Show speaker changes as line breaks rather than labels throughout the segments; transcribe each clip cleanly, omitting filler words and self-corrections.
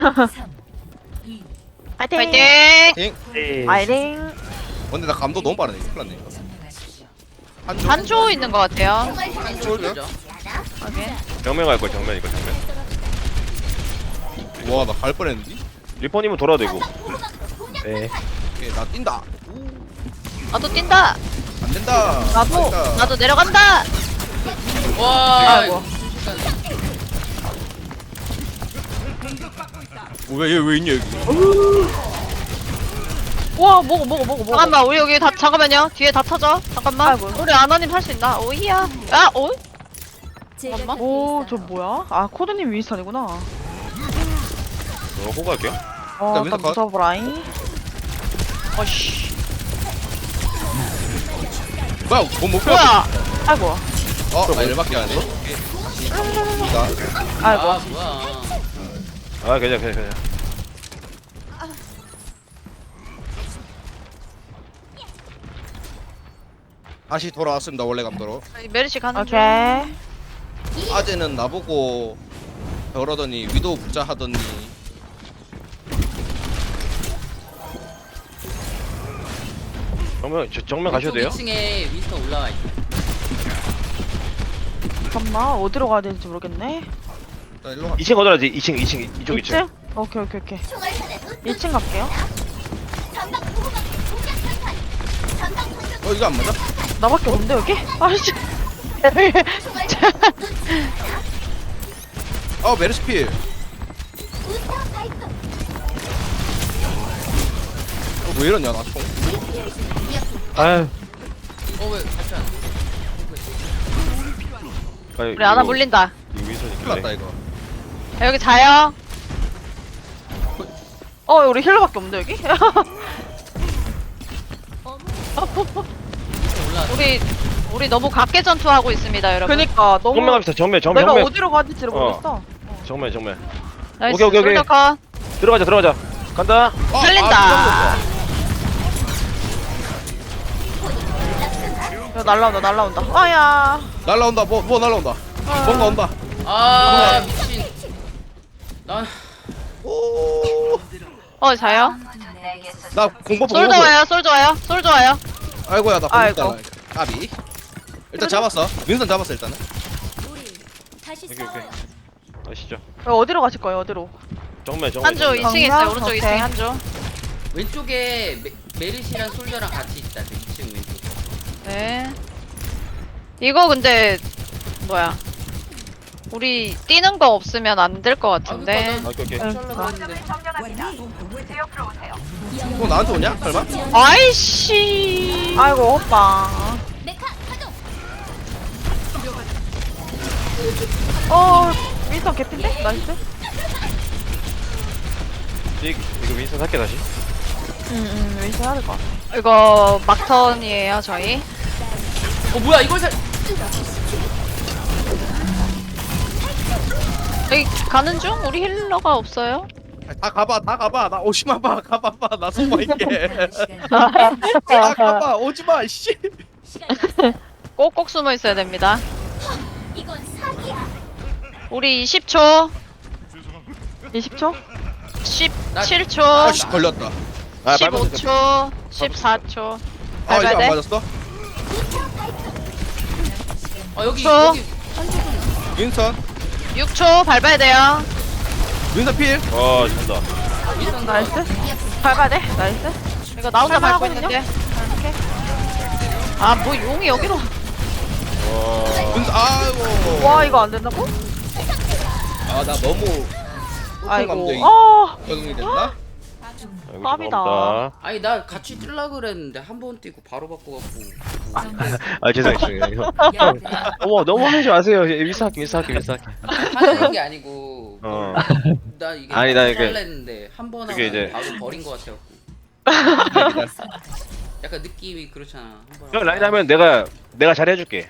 파이팅!
파이팅!
잉?
파이팅!
근데 나 감도 너무 빠르네. 큰일 났네. 한조?
한조 있는 것 같아요.
한조죠?
확인.
정면 갈 거야 정면 이거 정면.
와, 나 갈 뻔했는데?
리퍼님은 돌아도 되고. 네.
오케이, 나 뛴다.
나도 뛴다.
안 된다.
나도.
안 된다.
나도 내려간다.
와
아이고.
왜 있냐, 여기?
우와, 먹어.
잠깐만, 우리 여기 다 잠깐만요. 뒤에 다 터져. 잠깐만.
아이고.
우리 아나님 할 수 있나? 오이야. 아, 오? 잠깐만.
오, 저 뭐야? 아, 코드님 윈스턴이구나.
호구 할게요.
어,
윈스턴
딱
컷.
무서워라잉.
어씨.
뭐야, 못 펴.
뭐야?
아이고.
나 일밖에 안 해. 오케이. 다시 갑니다.
아이고.
아 뭐야
아 괜찮아.
다시 돌아왔습니다, 원래 감도로.
메르시 가는 중.
오케이.
아재는 나보고 저러더니 위도우 붙자 하더니
정면 가셔도 돼요?
2층에 윈스턴 올라와 있어
잠깐만, 어디로 가야 되는지 모르겠네.
일단 일로 가.
2층 어디라지? 2층 이쪽 2층.
2층? 오케이. 2층 갈게요.
이거 안 맞아?
나밖에 없는데, 여기? 아이씨.
메르스필. 왜 이러냐, 나 총.
아유.
어왜 같이 안
우리 아나 물린다.
이거 윈선이
큰일 났다,
그래.
이거.
자, 여기 자요.
우리 힐러밖에 없는데, 여기?
올라왔어
우리 너무 각계 전투하고 있습니다, 여러분.
그니까, 너무.
정면 갑시다. 정면.
내가 어디로 가야 될지를 모르겠어.
정면.
나이스.
오케이.
솔더 컷.
들어가자. 간다.
살린다.
야, 날라온다. 아야.
날라온다, 뭐 날라온다. 뭔가 온다.
아 미친 난
오,
자요.
나 공법
솔더 와요. 솔더 와요.
아이고야, 나
아이고.
공법 달라. 까비. 일단 잡았어. 윈선 잡았어, 일단은.
오케이. 가시죠.
어디로 가실 거예요, 어디로?
정면.
한조 2층에 있어요.
정면?
오른쪽
오케이.
2층에 한조.
왼쪽에 메르시랑 솔저랑 같이 있다 그 2층 왼쪽
네. 이거 근데 뭐야? 우리 뛰는 거 없으면 안 될 것 같은데.
오케이.
잘라고 했는데
또 나한테 오냐? 설마?
아이씨.
아이고, 오빠. 윈스턴 개핀데? 나이스.
이거 윈선 할게 다시.
윈스턴 해야 될 것 같아.
이거 막턴이에요, 저희.
뭐야 이걸 살
여기 가는 중? 우리 힐러가 없어요.
다 가봐. 나 오지마 봐. 가봐봐. 나 숨어 있게. 다 가봐. 오지마. 씨.
꼭꼭 숨어 있어야 됩니다. 우리 20초,
20초?
17초,
아씨 걸렸다.
15초, 14초.
이거 안
돼?
맞았어?
여기
저.
여기
윈선.
6초 밟아야 돼요.
윈선 필.
와 된다.
윈스턴
나이스. 밟아야 돼? 나이스.
이거 나 혼자 밟고
할만하거든요?
있는데. 아, 뭐 용이 여기로.
와.
윈선. 아이고.
와, 이거 안 된다고?
나 너무
아이고.
감정이
아,
적응이 됐나?
아이고,
깜이다.
죄송합니다.
아니 나 같이 뛸라 그랬는데 한 번 뛰고 바로 바꿔갖고
아 죄송해요. 너무 하지 마세요. 윈선 할게.
하는 게 아니고
어.
나 이게
아니, 나 이게-
잘랐는데 한 번
그게
하고
이제-
바로 버린 거 같아갖고 약간 느낌이 그렇잖아 한번
형 라인 하면 내가 잘해줄게.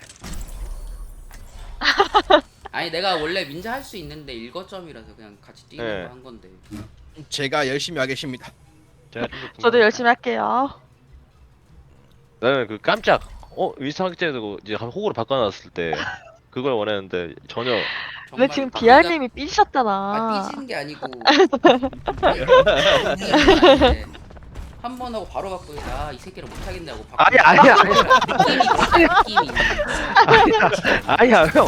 아니 내가 원래 민자 할 수 있는데 1거점이라서 그냥 같이 뛰는
네.
거 한 건데
제가 열심히 하겠습니다.
저도 열심히 할게요.
나는 그 깜짝 윈선 하기 전에도 이제 한 호구로 바꿔놨을 때 그걸 원했는데 전혀.
근데 지금 비알님이 삐지셨잖아.
삐지는 게 아니고 한 번 하고 바로 바꾸니 아이 새끼를 못 하겠냐고
아니야
느낌이
아니야 형.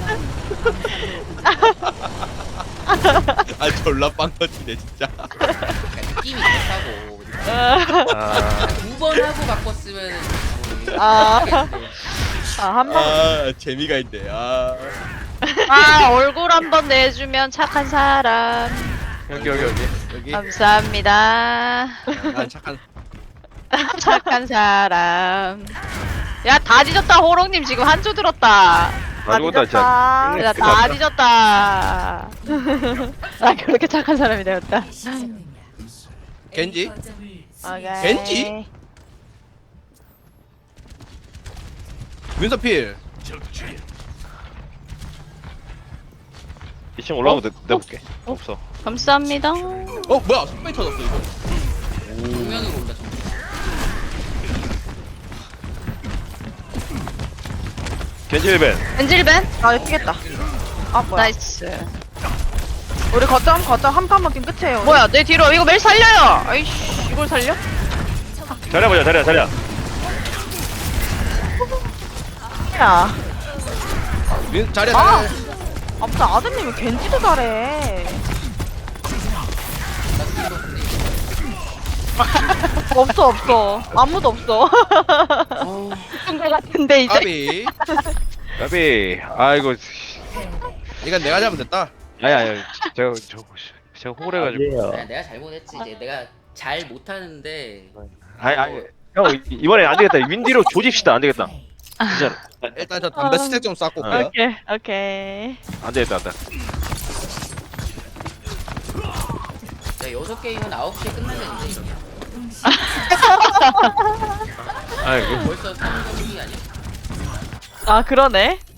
아 졸라 빵 터지네 진짜.
그러니까 느낌이 그렇다고
아,
두 번 하고 바꿨으면
아. 한 번.
아 재미가 있네. 아
얼굴 한번 내주면 착한 사람.
여기.
여기
감사합니다.
난 착한.
착한 사람. 야, 다 뒤졌다. 호롱님 지금 한 조 들었다.
아 죽었다 진짜.
야, 다 뒤졌다. 나 그렇게 착한 사람이 되었다.
겐지?
오케이.
겐지? 윈서필.
2층 올라오고 내볼게. 없어.
감사합니다.
뭐야 손발 터졌어 이거.
정면으로 온다 정면.
겐지 1벤.
엔질벤?
아, 뛰겠다. 아, 뭐야.
나이스.
우리 거점 한 판만 뛰면 끝이에요.
뭐야, 내 뒤로. 이거 매일 살려요. 아이씨, 이걸 살려?
자리야 보자 자리야.
야.
자리야
아.
자리야.
아, 무슨 아드님이 겐지도 잘해. 없어. 아무도 없어.
죽은 거 같은데, 이제.
아비.
까비. 아이고.
이건 내가 잘못했다.
아야 제가 호구래가지고.
내가 잘못했지 이제 내가 잘 못하는데
아니 형 이번에 안 되겠다. 윈디로 조집시다. 안 되겠다. 진짜
일단 저 담배 스택 좀 쌓고 올게요.
오케이.
안 되겠다. 안 돼.
야 6게임은 9시에 끝나겠는데 이러면
아이고.
벌써 3경기 아니야?
아, 그러네.